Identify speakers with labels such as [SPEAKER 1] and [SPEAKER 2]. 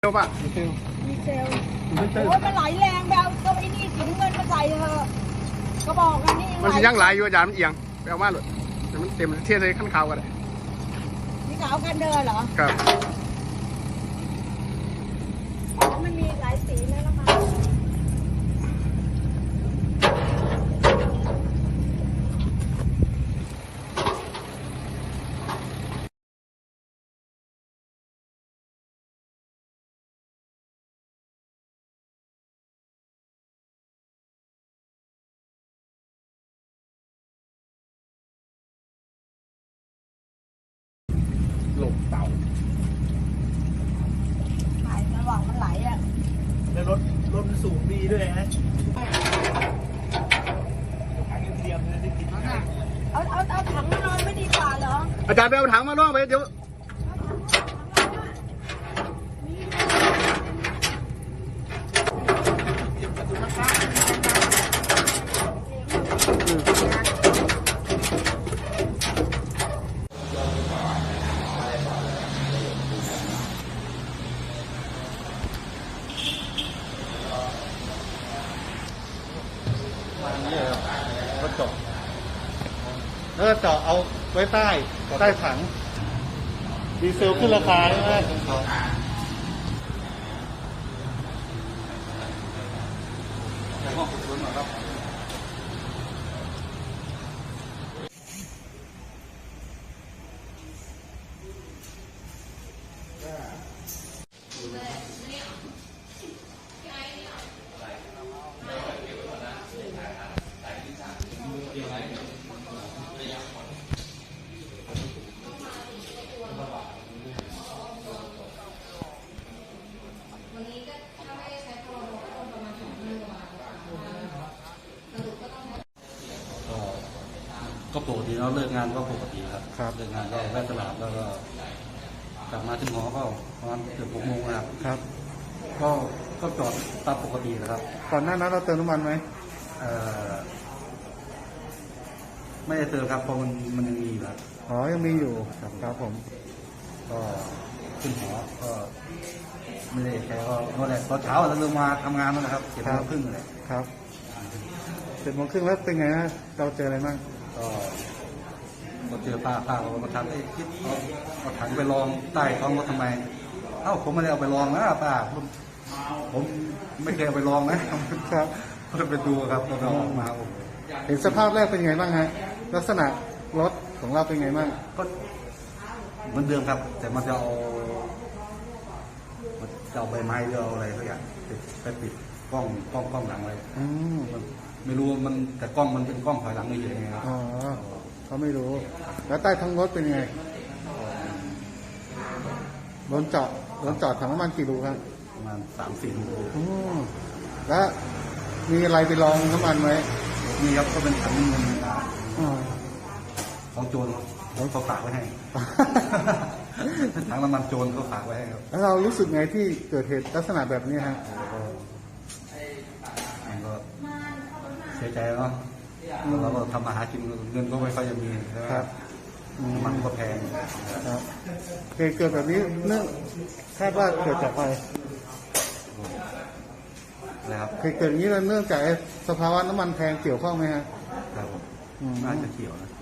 [SPEAKER 1] เซลป่ะ
[SPEAKER 2] มีเซลโอ้ยมันไหลแรงไปเอาตัวไอ้นี่สีน้ำเงินมาใส่เถอะก็บอกกันนี่
[SPEAKER 1] มันสิยังไหลอยู่อาจารย์มันเอียงไปเอามาเลยแต่มันเต็มเทียบเลยขั้นข่าวกันเลย
[SPEAKER 2] นี่ขาวกันเดินเหรอ
[SPEAKER 1] ครับ
[SPEAKER 2] อ๋อมันมีหลายสีนะนะคะ
[SPEAKER 1] หลบเต่า
[SPEAKER 2] ไหลระหว่างมันไหลอ่ะ
[SPEAKER 3] แล้วรถมันสูงดีด้วยฮะถังยังเทียมเลยได้กินง่าย
[SPEAKER 2] เอาถังมานอนไม่ดีกว่าเหรอ
[SPEAKER 1] อาจารย์ไปเอาถังมาล่องไปเดี๋ยว
[SPEAKER 4] ก็เจาะแล้วก็เจาะเอาไว้ใต้ถังดีเซลขึ้นราคาใช่ไหมก็ปกติเราเลิกงานก็ปกติครับเลิกงานก็แวะตลาดแล้วก็กลับมาถึงหอก็ประมาณเกือบ6 โมงครับก็จอดตามปกตินะครับ
[SPEAKER 1] ก่อนหน้านั้นเราเติมน้ำมันไหม
[SPEAKER 4] ไม่ได้เติมครับเพราะมันยังมีอยู่ครับ
[SPEAKER 1] อ๋อยังมีอยู่ครับผม
[SPEAKER 4] ก็ขึ้นหอก็ไม่ได้แค่ก็เมื่อไหร่ตอนเช้าเราเริ่มมาทำงานแล้วนะครับ7 โมงครึ่งเลย
[SPEAKER 1] ครับ7 โมงครึ่งแล้วเป็นไงฮะเราเจออะไรบ้าง
[SPEAKER 4] ก็เจอป้าเขามาถามคิดเอาถังไปลองใต้ท้องรถทำไมผมไม่ได้เอาไปลองนะป้าผมไม่เคยเอาไปลองนะครับก็ไปดูครับก็เอาออกมา
[SPEAKER 1] เห็นสภาพแรกเป็นไงบ้างฮะลักษณะรถของเราเป็นไงบ้าง
[SPEAKER 4] ก็เหมือนเดิมครับแต่มันจะเอาใบไม้หรือเอาอะไรสักอย่างไปปิดกล้องหลังไว้ไม่รู้มันแต่กล้องมันเป็นกล้องถอยหลังไม่เยอะไงครับ
[SPEAKER 1] อ๋อเขาไม่รู้แล้วใต้ท้องรถเป็นไงรถจอดถังน้ำมันกี่รูครับ
[SPEAKER 4] ประมาณ3-4 รู
[SPEAKER 1] แล้วมีอะไรไปลองน้ำมันไหม
[SPEAKER 4] มีครับก็เป็นถังเงินของโจรเขาฝากไว้ให้ถังน้ำมันโจรเขาฝากไว้ให้ครับ
[SPEAKER 1] แล้วเรารู้สึกไงที่เกิดเหตุลักษณะแบบนี้ฮะ
[SPEAKER 4] ก็เสียใจเนาะเราก็ทำมาหากินเงินก็ไม่ค่อยจะมีนะครับมันก็แพง
[SPEAKER 1] ครับเกิดแบบนี้เนื่องคาดว่าเกิดจากอะไร
[SPEAKER 4] นะครับ
[SPEAKER 1] เกิดอย่างนี้เนื่องจากสภาวะน้ำมันแพงเกี่ยวข้องไหมฮะ
[SPEAKER 4] ครับน่าจะเกี่ยวนะ